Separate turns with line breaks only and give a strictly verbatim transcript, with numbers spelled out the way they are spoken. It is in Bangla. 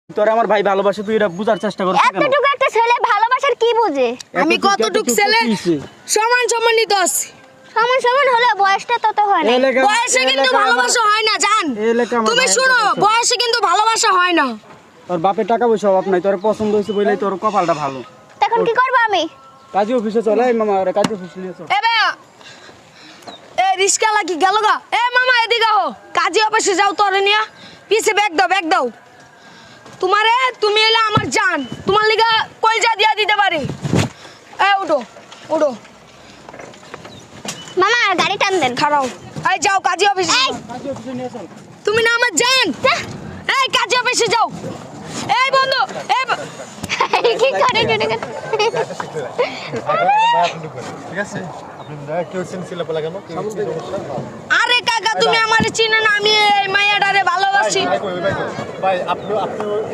তোরে আমার ভাই ভালোবাসে, তুই এটা বুঝার চেষ্টা কর।
এতটুকু একটা ছেলে ভালোবাসার কি বুঝে?
আমি কতটুকু ছেলে সমান সম্মানিত আছি।
সমান সমান হলে বয়সটা তত হয় না।
বয়সে কিন্তু ভালোবাসা হয় না জান। তুমি শুনো, বয়সে কিন্তু ভালোবাসা হয় না।
তোর বাপের টাকা পয়সা অভাব নাই, তোর পছন্দ হয়েছে বলেই তোর কপালটা ভালো।
তখন কি করব আমি?
কাজী অফিসে চল। এই মামা, আরে কাজী অফিসে নিয়ে চল।
এ ভাইয়া, এ রিস্কা লাগি গেল গা। এ মামা এদিকে আও, কাজী অফিসে যাও তোরে নিয়া। পিছে ব্যাগ দাও, ব্যাগ দাও। তোমারে তুমি এলে আমার জান, তোমার লিগা কলজা দিয়া দিতে পারি। এ উঠো উঠো।
মামা গাড়ি টান দেন।
খাড়াও। এই যাও কাজী অফিসে।
এই
কাজী অফিসে নিয়ে চল।
তুমি না আমার জান। এই কাজী অফিসে যাও। এই বন্ধু, এই
কি করে টুটে গেল?
ঠিক আছে, আপনি কেউ সিনসিলা বলা কেন?
আরে কাকা তুমি আমারে চিনো না, আমি এই মাইয়াটারে ভালোবাসি।
ভাই ভাই ভাই আপনি আপনি